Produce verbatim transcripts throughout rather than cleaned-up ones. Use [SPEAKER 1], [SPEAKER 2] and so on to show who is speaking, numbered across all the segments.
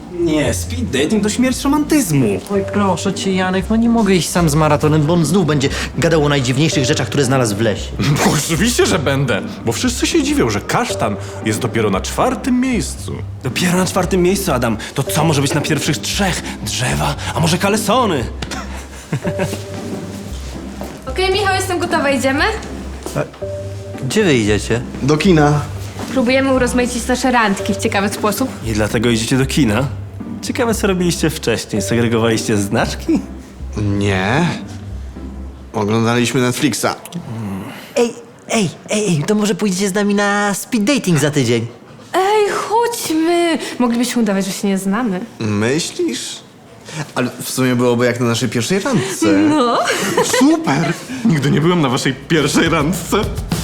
[SPEAKER 1] Nie, speed dating to śmierć romantyzmu.
[SPEAKER 2] Oj, proszę cię, Janek, no nie mogę iść sam z maratonem, bo on znów będzie gadał o najdziwniejszych rzeczach, które znalazł w lesie.
[SPEAKER 3] No, oczywiście, że będę, bo wszyscy się dziwią, że kasztan jest dopiero na czwartym miejscu.
[SPEAKER 1] Dopiero na czwartym miejscu, Adam. To co może być na pierwszych trzech? Drzewa, a może kalesony?
[SPEAKER 4] Okej, Michał, jestem gotowa, idziemy?
[SPEAKER 2] Gdzie wy idziecie?
[SPEAKER 5] Do kina.
[SPEAKER 4] Próbujemy urozmaicić nasze randki w ciekawy sposób.
[SPEAKER 1] I dlatego idziecie do kina? Ciekawe, co robiliście wcześniej. Segregowaliście znaczki?
[SPEAKER 5] Nie. Oglądaliśmy Netflixa.
[SPEAKER 2] Ej, ej, ej, ej, to może pójdziecie z nami na speed dating za tydzień?
[SPEAKER 4] Ej, chodźmy! Moglibyśmy udawać, że się nie znamy.
[SPEAKER 5] Myślisz? Ale w sumie byłoby jak na naszej pierwszej randce.
[SPEAKER 4] No.
[SPEAKER 5] Super!
[SPEAKER 3] Nigdy nie byłem na waszej pierwszej randce.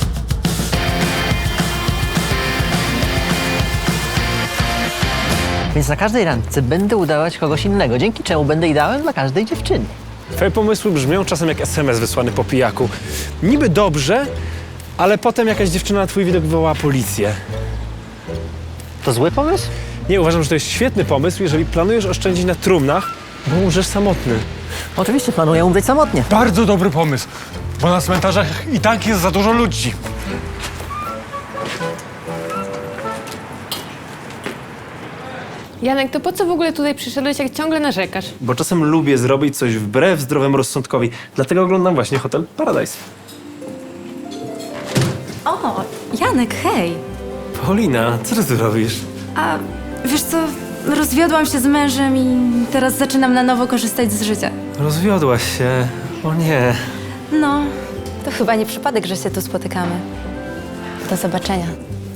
[SPEAKER 2] Więc na każdej randce będę udawać kogoś innego, dzięki czemu będę ideałem dla każdej dziewczyny.
[SPEAKER 6] Twoje pomysły brzmią czasem jak es em es wysłany po pijaku. Niby dobrze, ale potem jakaś dziewczyna na twój widok wywołała policję.
[SPEAKER 2] To zły pomysł?
[SPEAKER 6] Nie, uważam, że to jest świetny pomysł, jeżeli planujesz oszczędzić na trumnach, bo umrzesz samotny.
[SPEAKER 2] Oczywiście planuję umrzeć samotnie.
[SPEAKER 3] Bardzo dobry pomysł, bo na cmentarzach i tak jest za dużo ludzi.
[SPEAKER 4] Janek, to po co w ogóle tutaj przyszedłeś, jak ciągle narzekasz?
[SPEAKER 1] Bo czasem lubię zrobić coś wbrew zdrowemu rozsądkowi. Dlatego oglądam właśnie Hotel Paradise.
[SPEAKER 7] O, Janek, hej.
[SPEAKER 1] Paulina, co ty tu robisz?
[SPEAKER 7] A wiesz co, rozwiodłam się z mężem i teraz zaczynam na nowo korzystać z życia.
[SPEAKER 1] Rozwiodłaś się. O nie.
[SPEAKER 7] No, to chyba nie przypadek, że się tu spotykamy. Do zobaczenia.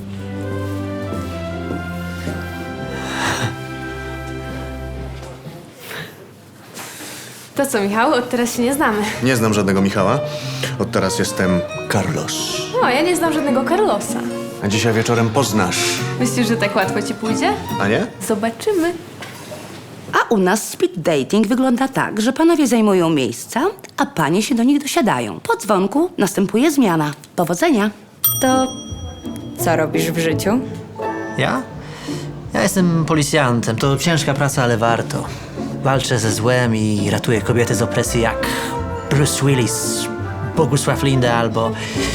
[SPEAKER 4] To co, Michał? Od teraz się nie znamy.
[SPEAKER 5] Nie znam żadnego Michała. Od teraz jestem Carlos.
[SPEAKER 4] No, ja nie znam żadnego Carlosa.
[SPEAKER 5] A dzisiaj wieczorem poznasz.
[SPEAKER 4] Myślisz, że tak łatwo ci pójdzie?
[SPEAKER 5] A nie?
[SPEAKER 4] Zobaczymy.
[SPEAKER 8] A u nas speed dating wygląda tak, że panowie zajmują miejsca, a panie się do nich dosiadają. Po dzwonku następuje zmiana. Powodzenia.
[SPEAKER 7] To co robisz w życiu?
[SPEAKER 2] Ja? Ja jestem policjantem. To ciężka praca, ale warto. Walczę ze złem i ratuję kobiety z opresji jak Bruce Willis, Bogusław Linda albo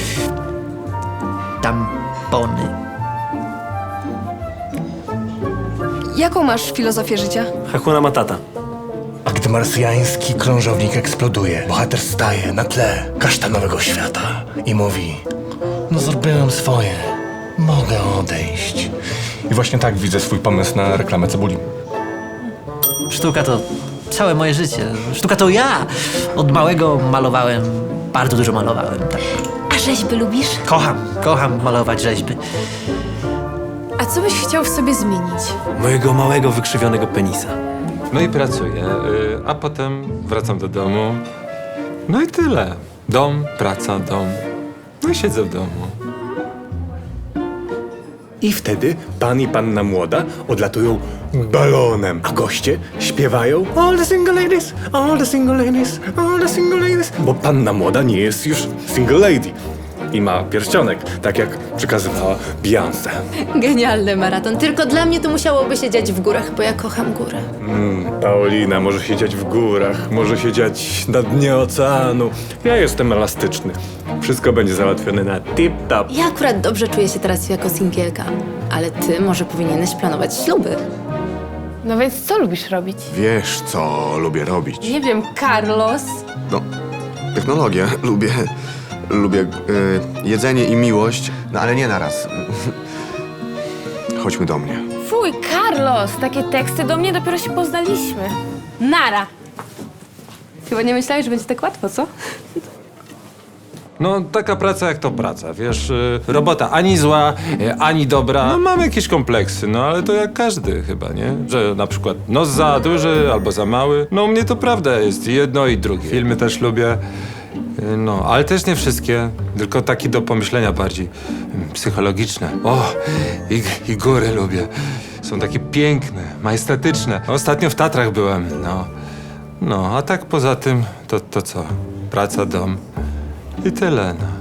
[SPEAKER 2] tampony.
[SPEAKER 4] Jaką masz filozofię życia?
[SPEAKER 1] Hakuna Matata.
[SPEAKER 9] A gdy marsjański krążownik eksploduje, bohater staje na tle kasztanowego świata i mówi: no zrobiłem swoje, mogę odejść.
[SPEAKER 3] I właśnie tak widzę swój pomysł na reklamę cebuli.
[SPEAKER 2] Sztuka to całe moje życie. Sztuka to ja. Od małego malowałem, bardzo dużo malowałem. Tak.
[SPEAKER 7] A rzeźby lubisz?
[SPEAKER 2] Kocham, kocham malować rzeźby.
[SPEAKER 4] A co byś chciał w sobie zmienić?
[SPEAKER 1] Mojego małego, wykrzywionego penisa.
[SPEAKER 10] No i pracuję, y, a potem wracam do domu. No i tyle. Dom, praca, dom. No i siedzę w domu.
[SPEAKER 9] I wtedy pan i panna młoda odlatują balonem, a goście śpiewają all the single ladies, all the single ladies, all the single ladies. Bo panna młoda nie jest już single lady i ma pierścionek, tak jak przekazywała Beyoncé.
[SPEAKER 7] Genialny maraton. Tylko dla mnie to musiałoby się dziać w górach, bo ja kocham góry.
[SPEAKER 9] Mm, Paulina może siedzieć w górach, może siedzieć na dnie oceanu. Ja jestem elastyczny. Wszystko będzie załatwione na tip-top.
[SPEAKER 7] Ja akurat dobrze czuję się teraz jako singielka, ale ty może powinieneś planować śluby.
[SPEAKER 4] No więc co lubisz robić?
[SPEAKER 5] Wiesz, co lubię robić.
[SPEAKER 4] Nie wiem, Carlos.
[SPEAKER 5] No, technologię. Lubię... Lubię y, jedzenie i miłość, no ale nie naraz. Chodźmy do mnie.
[SPEAKER 4] Fuj, Carlos! Takie teksty do mnie dopiero się poznaliśmy. Nara! Chyba nie myślałeś, że będzie tak łatwo, co?
[SPEAKER 10] No taka praca jak to praca, wiesz, y, robota ani zła, y, ani dobra. No mam jakieś kompleksy, no ale to jak każdy chyba, nie? Że na przykład nos za duży albo za mały. No u mnie to prawda jest jedno i drugie. Filmy też lubię. No, ale też nie wszystkie, tylko takie do pomyślenia bardziej mm, psychologiczne. O, i, i góry lubię. Są takie piękne, majestatyczne. Ostatnio w Tatrach byłem, no. No, a tak poza tym, to, to co? Praca, dom i tyle, no.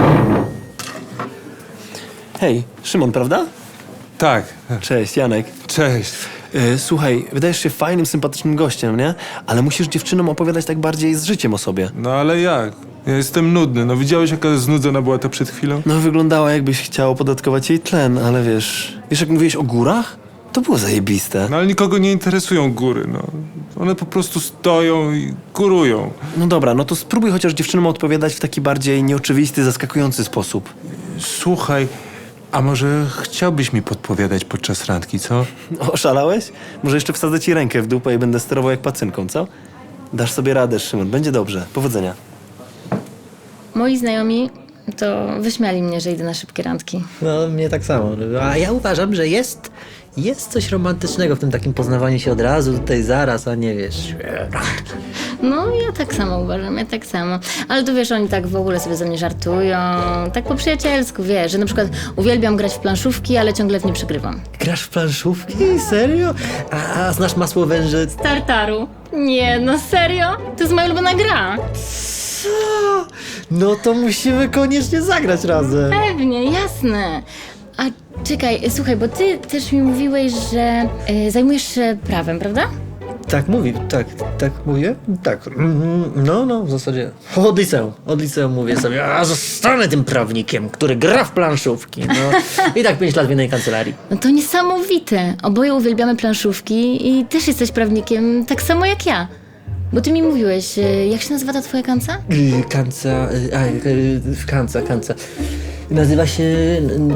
[SPEAKER 1] Hej, Szymon, prawda?
[SPEAKER 10] Tak.
[SPEAKER 1] Cześć, Janek.
[SPEAKER 10] Cześć.
[SPEAKER 6] Yy, słuchaj, wydajesz się fajnym, sympatycznym gościem, nie? Ale musisz dziewczynom opowiadać tak bardziej z życiem o sobie.
[SPEAKER 10] No ale jak? Ja jestem nudny. No widziałeś, jaka znudzona była ta przed chwilą?
[SPEAKER 6] No wyglądała, jakbyś chciał opodatkować jej tlen, ale wiesz... Wiesz, jak mówiłeś o górach? To było zajebiste.
[SPEAKER 10] No ale nikogo nie interesują góry, no. One po prostu stoją i górują.
[SPEAKER 6] No dobra, no to spróbuj chociaż dziewczynom odpowiadać w taki bardziej nieoczywisty, zaskakujący sposób.
[SPEAKER 10] Słuchaj, a może chciałbyś mi podpowiadać podczas randki, co?
[SPEAKER 6] Oszalałeś? Może jeszcze wsadzę ci rękę w dupę i będę sterował jak pacynką, co? Dasz sobie radę, Szymon. Będzie dobrze. Powodzenia.
[SPEAKER 11] Moi znajomi to wyśmiali mnie, że idę na szybkie randki.
[SPEAKER 2] No, mnie tak samo. A ja uważam, że jest, jest coś romantycznego w tym takim poznawaniu się od razu, tutaj zaraz, a nie wiesz...
[SPEAKER 11] No, ja tak samo uważam, ja tak samo. Ale tu wiesz, oni tak w ogóle sobie ze mnie żartują, tak po przyjacielsku, wiesz, że na przykład uwielbiam grać w planszówki, ale ciągle w nie przegrywam.
[SPEAKER 2] Grasz w planszówki? Serio? A, a znasz masło węży?
[SPEAKER 11] Tartaru? Nie, no serio? To jest moja ulubiona gra.
[SPEAKER 2] Co? No to musimy koniecznie zagrać razem.
[SPEAKER 11] Pewnie, jasne. A czekaj, słuchaj, bo ty też mi mówiłeś, że y, zajmujesz się prawem, prawda?
[SPEAKER 2] Tak mówi, tak, tak mówię? Tak. Mhm, no, no, w zasadzie. Od liceum. Od liceum mówię sobie, a zostanę tym prawnikiem, który gra w planszówki. No. I tak pięć lat w jednej kancelarii.
[SPEAKER 11] No to niesamowite. Oboje uwielbiamy planszówki i też jesteś prawnikiem, tak samo jak ja. Bo ty mi mówiłeś, y, jak się nazywa ta twoja kanca?
[SPEAKER 2] Y, Kanca, y, a, y, kanca, kanca. Nazywa się... n-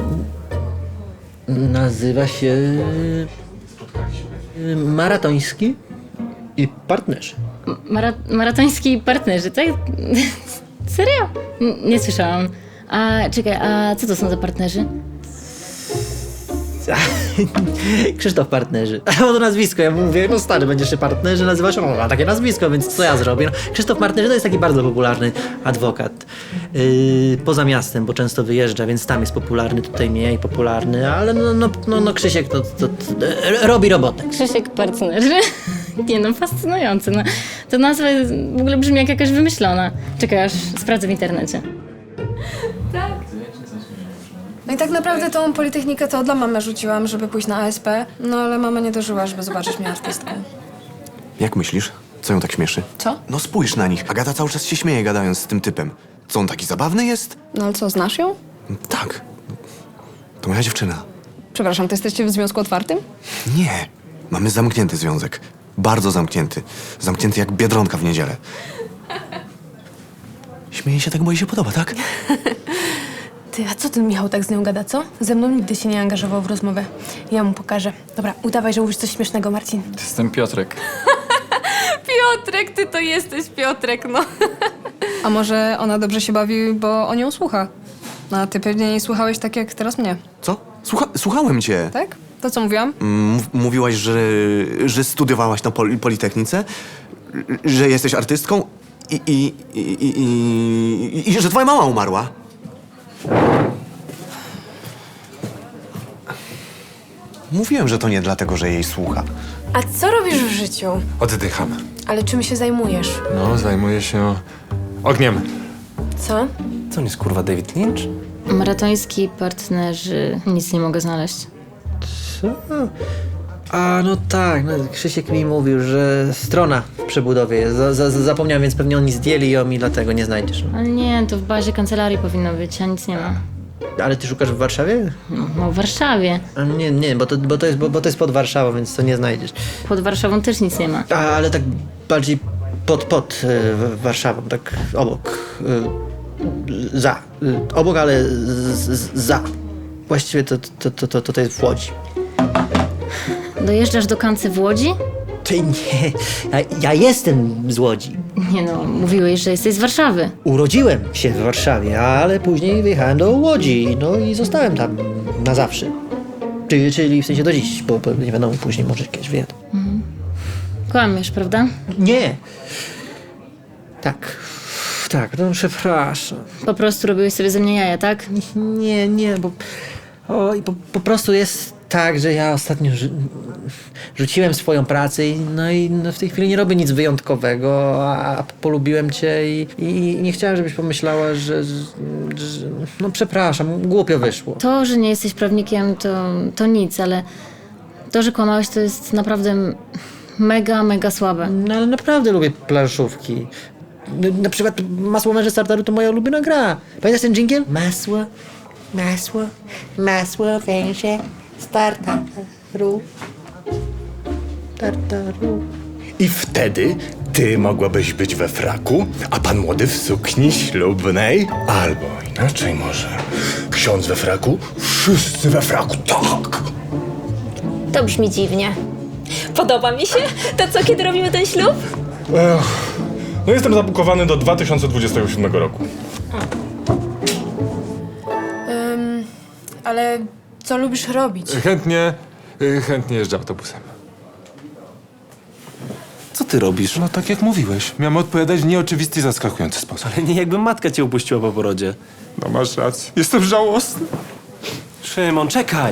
[SPEAKER 2] Nazywa się... y, Maratoński i partnerzy.
[SPEAKER 11] Mara maratoński partnerzy, tak? Serio? N nie słyszałam. A czekaj, a co to są za partnerzy?
[SPEAKER 2] Krzysztof Partnerzy. A to nazwisko, ja mówię, no stary, będziesz się partnerzy nazywać, o, ma takie nazwisko, więc co ja zrobię? No, Krzysztof Partnerzy to jest taki bardzo popularny adwokat. Yy, poza miastem, bo często wyjeżdża, więc tam jest popularny, tutaj mniej popularny, ale no, no, no, no Krzysiek to, to, to, to robi robotę.
[SPEAKER 11] Krzysiek partnerzy? Nie no, fascynujące. No, to nazwa jest, w ogóle brzmi jak jakaś wymyślona. Czekaj, aż sprawdzę w internecie.
[SPEAKER 7] No i tak naprawdę tą Politechnikę to dla mamy rzuciłam, żeby pójść na A S P, no ale mama nie dożyła, żeby zobaczyć mnie artystką.
[SPEAKER 5] Jak myślisz? Co ją tak śmieszy?
[SPEAKER 7] Co?
[SPEAKER 5] No spójrz na nich. Agata cały czas się śmieje, gadając z tym typem. Co, on taki zabawny jest?
[SPEAKER 7] No ale co, znasz ją?
[SPEAKER 5] Tak. To moja dziewczyna.
[SPEAKER 7] Przepraszam, to jesteście w związku otwartym?
[SPEAKER 5] Nie. Mamy zamknięty związek. Bardzo zamknięty. Zamknięty jak Biedronka w niedzielę. Śmieje się tak, bo jej się podoba, tak?
[SPEAKER 4] Ty, a co ten Michał tak z nią gada, co? Ze mną nigdy się nie angażował w rozmowę. Ja mu pokażę. Dobra, udawaj, że mówisz coś śmiesznego, Marcin.
[SPEAKER 12] Jestem Piotrek.
[SPEAKER 4] Piotrek, ty to jesteś Piotrek, no.
[SPEAKER 7] A może ona dobrze się bawi, bo on ją słucha? No, a ty pewnie nie słuchałeś tak jak teraz mnie,
[SPEAKER 5] Co? Słucha słuchałem cię.
[SPEAKER 7] tak? To co mówiłam?
[SPEAKER 5] M- mówiłaś, że, że studiowałaś na pol Politechnice, że jesteś artystką i, i, i, i, i, i że twoja mama umarła. Mówiłem, że to nie dlatego, że jej słucha.
[SPEAKER 4] A co robisz w życiu?
[SPEAKER 10] Oddycham.
[SPEAKER 4] Ale czym się zajmujesz?
[SPEAKER 10] No, zajmuję się ogniem.
[SPEAKER 4] Co?
[SPEAKER 1] Co on jest, kurwa, David Lynch?
[SPEAKER 11] Maratoński partnerzy, nic nie mogę znaleźć.
[SPEAKER 2] Co? A, no tak, no, Krzysiek mi mówił, że strona w przebudowie jest. Za, za, zapomniałem, więc pewnie oni zdjęli ją i dlatego nie znajdziesz.
[SPEAKER 11] Ale nie, to w bazie kancelarii powinno być, a nic nie ma.
[SPEAKER 2] Ale ty szukasz w Warszawie?
[SPEAKER 11] No, no w Warszawie.
[SPEAKER 2] A, nie, nie, bo to, bo, to jest, bo, bo to jest pod Warszawą, więc to nie znajdziesz.
[SPEAKER 11] Pod Warszawą też nic nie ma.
[SPEAKER 2] A, ale tak bardziej pod, pod y, w- Warszawą, tak obok. Y, za. Y, obok, ale z, z, za. Właściwie to, to, to, to, to jest w Łodzi.
[SPEAKER 11] Dojeżdżasz do Kancy w Łodzi?
[SPEAKER 2] Ty nie, ja, ja jestem z Łodzi.
[SPEAKER 11] Nie no, mówiłeś, że jesteś z Warszawy.
[SPEAKER 2] Urodziłem się w Warszawie, ale później wyjechałem do Łodzi, no i zostałem tam na zawsze. Czyli, czyli w sensie do dziś, bo, bo nie wiadomo, później może kiedyś wyjadę.
[SPEAKER 11] Kłamiesz, prawda?
[SPEAKER 2] Nie. Tak. Tak, no przepraszam.
[SPEAKER 11] Po prostu robiłeś sobie ze mnie jaja, tak?
[SPEAKER 2] Nie, nie, bo... O, i po, po prostu jest tak, że ja ostatnio rzu- rzuciłem swoją pracę i no i no w tej chwili nie robię nic wyjątkowego, a, a polubiłem cię i, i, i nie chciałem, żebyś pomyślała, że, że, że... No przepraszam, głupio wyszło.
[SPEAKER 11] To, że nie jesteś prawnikiem, to, to nic, ale To, że kłamałeś, to jest naprawdę m- mega, mega słabe.
[SPEAKER 2] No ale naprawdę lubię planszówki. No, na przykład Masło Męże Tartaru to moja ulubiona gra. Pamiętasz ten dżingiel? Masło, masło, masło węże z tartaru, tartaru.
[SPEAKER 9] I wtedy ty mogłabyś być we fraku, a pan młody w sukni ślubnej. Albo inaczej może. Ksiądz we fraku, wszyscy we fraku, tak.
[SPEAKER 12] To brzmi dziwnie. Podoba mi się. To co, kiedy robimy ten ślub?
[SPEAKER 3] Ech, no jestem zabukowany do dwa tysiące dwudziestego siódmego roku.
[SPEAKER 7] Ym, ale co lubisz robić?
[SPEAKER 10] Chętnie, y, chętnie jeżdżę autobusem.
[SPEAKER 1] Co ty robisz?
[SPEAKER 10] No tak jak mówiłeś, miałem odpowiadać w nieoczywisty i zaskakujący sposób.
[SPEAKER 1] Ale nie jakby matka cię upuściła po porodzie.
[SPEAKER 10] No masz rację, jestem żałosny.
[SPEAKER 1] Szymon, czekaj!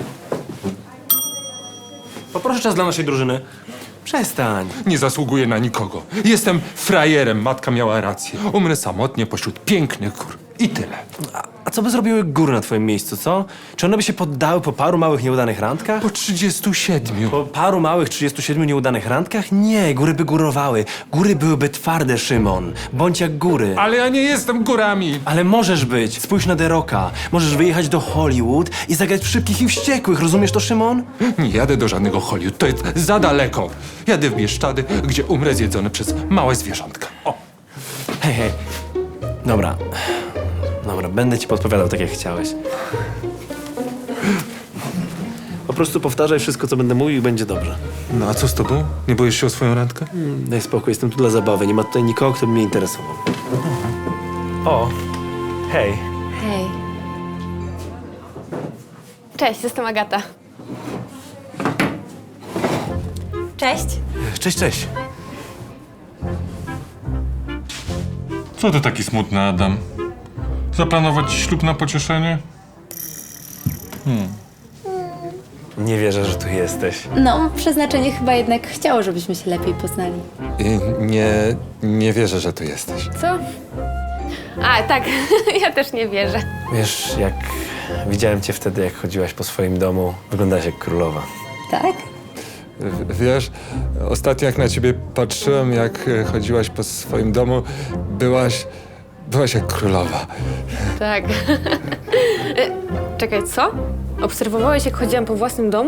[SPEAKER 1] Poproszę czas dla naszej drużyny. Przestań.
[SPEAKER 10] Nie zasługuję na nikogo. Jestem frajerem, matka miała rację. Umrę samotnie pośród pięknych gór. I tyle.
[SPEAKER 1] A, a co by zrobiły góry na twoim miejscu, co? Czy one by się poddały po paru małych nieudanych randkach?
[SPEAKER 10] Po trzydziestu siedmiu.
[SPEAKER 1] Po paru małych trzydziestu siedmiu nieudanych randkach? Nie, góry by górowały. Góry byłyby twarde, Szymon. Bądź jak góry.
[SPEAKER 10] Ale ja nie jestem górami.
[SPEAKER 1] Ale możesz być. Spójrz na The Rocka. Możesz wyjechać do Hollywood i zagrać w Szybkich i Wściekłych. Rozumiesz to, Szymon?
[SPEAKER 10] Nie jadę do żadnego Hollywood, to jest za daleko. Jadę w Bieszczady, gdzie umrę zjedzony przez małe zwierzątka. O.
[SPEAKER 1] Hej, hej. Dobra. Dobra, będę ci podpowiadał tak, jak chciałeś. Po prostu powtarzaj wszystko, co będę mówił i będzie dobrze.
[SPEAKER 10] No a co z tobą? Nie boisz się o swoją randkę?
[SPEAKER 1] Mm, daj spokój, jestem tu dla zabawy. Nie ma tutaj nikogo, kto by mnie interesował. O, hej.
[SPEAKER 4] Hej. Cześć, jestem Agata.
[SPEAKER 12] Cześć.
[SPEAKER 1] Cześć, cześć.
[SPEAKER 3] Co ty taki smutny, Adam? Zaplanować ci ślub na pocieszenie?
[SPEAKER 1] Nie wierzę, że tu jesteś.
[SPEAKER 12] No, przeznaczenie chyba jednak chciało, żebyśmy się lepiej poznali.
[SPEAKER 10] Nie, nie wierzę, że tu jesteś.
[SPEAKER 4] Co? A, tak. Ja też nie wierzę.
[SPEAKER 1] Wiesz, jak widziałem cię wtedy, jak chodziłaś po swoim domu, wyglądałaś jak królowa.
[SPEAKER 12] Tak?
[SPEAKER 10] W- Wiesz, ostatnio jak na ciebie patrzyłem, jak e, chodziłaś po swoim domu, byłaś, byłaś jak królowa.
[SPEAKER 4] Tak. E, Czekaj, co? Obserwowałeś, jak chodziłam po własnym domu?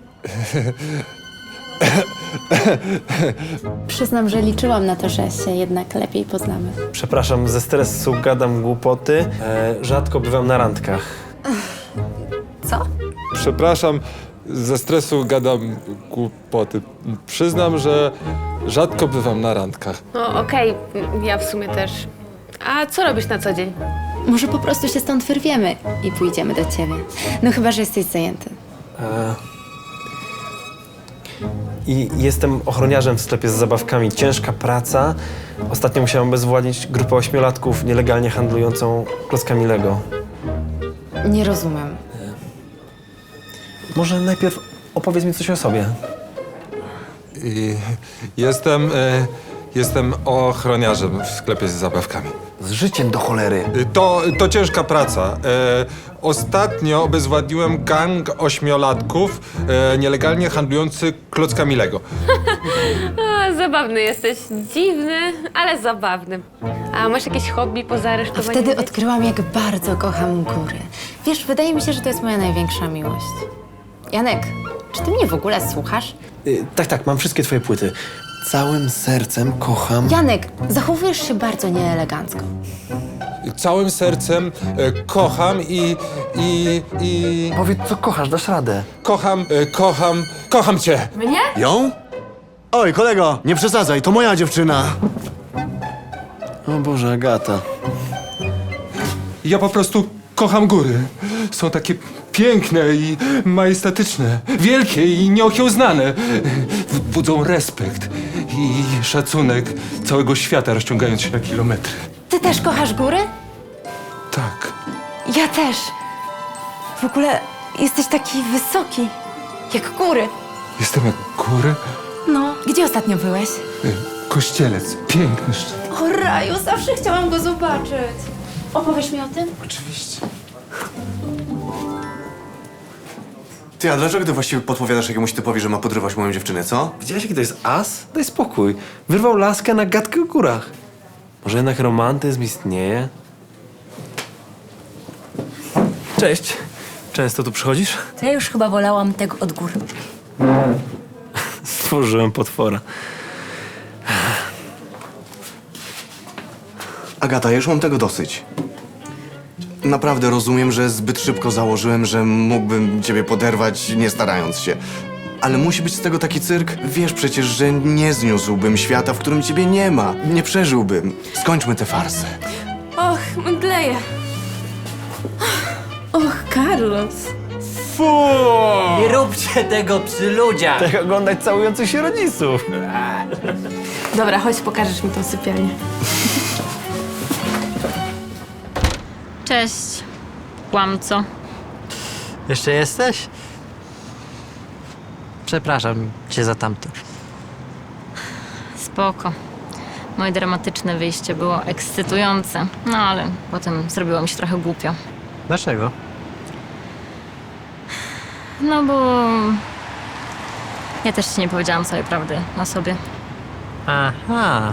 [SPEAKER 12] Przyznam, że liczyłam na to, że się jednak lepiej poznamy.
[SPEAKER 1] Przepraszam, ze stresu gadam głupoty. E, rzadko bywam na randkach.
[SPEAKER 12] Co?
[SPEAKER 10] Przepraszam, ze stresu gadam głupoty. Przyznam, że rzadko bywam na randkach.
[SPEAKER 4] No, okej, ja w sumie też. A co robisz na co dzień?
[SPEAKER 12] Może po prostu się stąd wyrwiemy i pójdziemy do ciebie. No chyba, że jesteś zajęty.
[SPEAKER 1] E, I jestem ochroniarzem w sklepie z zabawkami. Ciężka praca. Ostatnio musiałem obezwładnić grupę ośmiolatków nielegalnie handlującą klockami Lego.
[SPEAKER 12] Nie rozumiem.
[SPEAKER 1] Może najpierw opowiedz mi coś o sobie.
[SPEAKER 10] I jestem, e, jestem ochroniarzem w sklepie z zabawkami.
[SPEAKER 1] Z życiem do cholery.
[SPEAKER 10] Y, To, to ciężka praca. E, ostatnio obezwładniłem gang ośmiolatków e, nielegalnie handlujący klockami Lego.
[SPEAKER 4] A, zabawny jesteś. Dziwny, ale zabawny. A masz jakieś hobby poza
[SPEAKER 12] A
[SPEAKER 4] aresztowaniem
[SPEAKER 12] wtedy
[SPEAKER 4] dzieci?
[SPEAKER 12] odkryłam, jak bardzo kocham góry. Wiesz, wydaje mi się, że to jest moja największa miłość. Janek, czy ty mnie w ogóle słuchasz?
[SPEAKER 1] Y, tak, tak, mam wszystkie twoje płyty. Całym sercem kocham...
[SPEAKER 12] Janek, zachowujesz się bardzo nieelegancko.
[SPEAKER 10] Całym sercem e, kocham i, i, i...
[SPEAKER 1] Powiedz, co kochasz, dasz radę.
[SPEAKER 10] Kocham, e, kocham, kocham cię.
[SPEAKER 4] Mnie?
[SPEAKER 5] Ją? Oj, kolego, nie przesadzaj, to moja dziewczyna.
[SPEAKER 1] O Boże, Agata.
[SPEAKER 10] Ja po prostu kocham góry. Są takie piękne i majestatyczne, wielkie i nieokiełznane. Budzą respekt i szacunek całego świata, rozciągając się na kilometry.
[SPEAKER 12] Ty też kochasz góry?
[SPEAKER 10] Tak.
[SPEAKER 12] Ja też. W ogóle jesteś taki wysoki, jak góry.
[SPEAKER 10] Jestem jak góry.
[SPEAKER 12] No, gdzie ostatnio byłeś?
[SPEAKER 10] Kościelec, piękny szczyt.
[SPEAKER 12] O raju, zawsze chciałam go zobaczyć. Opowiesz mi o tym?
[SPEAKER 10] Oczywiście.
[SPEAKER 5] Ty, a dlaczego ty właściwie podpowiadasz jakiemuś typowi, że ma podrywać moją dziewczynę, co?
[SPEAKER 1] Widziałeś, jaki to jest as? Daj spokój. Wyrwał laskę na gadkę o górach. Może jednak romantyzm istnieje? Cześć. Często tu przychodzisz?
[SPEAKER 13] To ja już chyba wolałam tego od góry.
[SPEAKER 1] Stworzyłem potwora.
[SPEAKER 5] Agata, ja już mam tego dosyć. Naprawdę rozumiem, że zbyt szybko założyłem, że mógłbym ciebie poderwać, nie starając się. Ale musi być z tego taki cyrk. Wiesz przecież, że nie zniósłbym świata, w którym ciebie nie ma. Nie przeżyłbym. Skończmy tę farsę.
[SPEAKER 4] Och, mdleję. Och, Carlos.
[SPEAKER 1] Fu!
[SPEAKER 2] Nie róbcie tego przy ludziach!
[SPEAKER 1] Tak oglądać całujących się rodziców.
[SPEAKER 4] Dobra, chodź, pokażesz mi tą sypialnię.
[SPEAKER 11] Cześć, kłamco.
[SPEAKER 2] Jeszcze jesteś? Przepraszam cię za tamto.
[SPEAKER 11] Spoko. Moje dramatyczne wyjście było ekscytujące, no ale potem zrobiło mi się trochę głupio.
[SPEAKER 2] Dlaczego?
[SPEAKER 11] No bo... ja też ci nie powiedziałam całej prawdy o sobie.
[SPEAKER 2] Aha.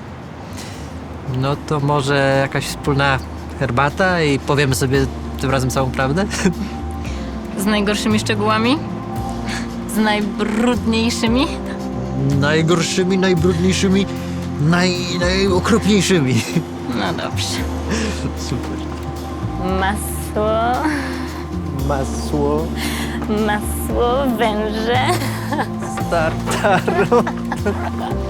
[SPEAKER 2] No to może jakaś wspólna herbata i powiemy sobie tym razem całą prawdę?
[SPEAKER 11] Z najgorszymi szczegółami? Z najbrudniejszymi?
[SPEAKER 2] Najgorszymi, najbrudniejszymi, naj, najokropniejszymi.
[SPEAKER 11] No dobrze.
[SPEAKER 2] Super.
[SPEAKER 11] Masło,
[SPEAKER 2] Masło
[SPEAKER 11] masło, węże.
[SPEAKER 2] z tartaru.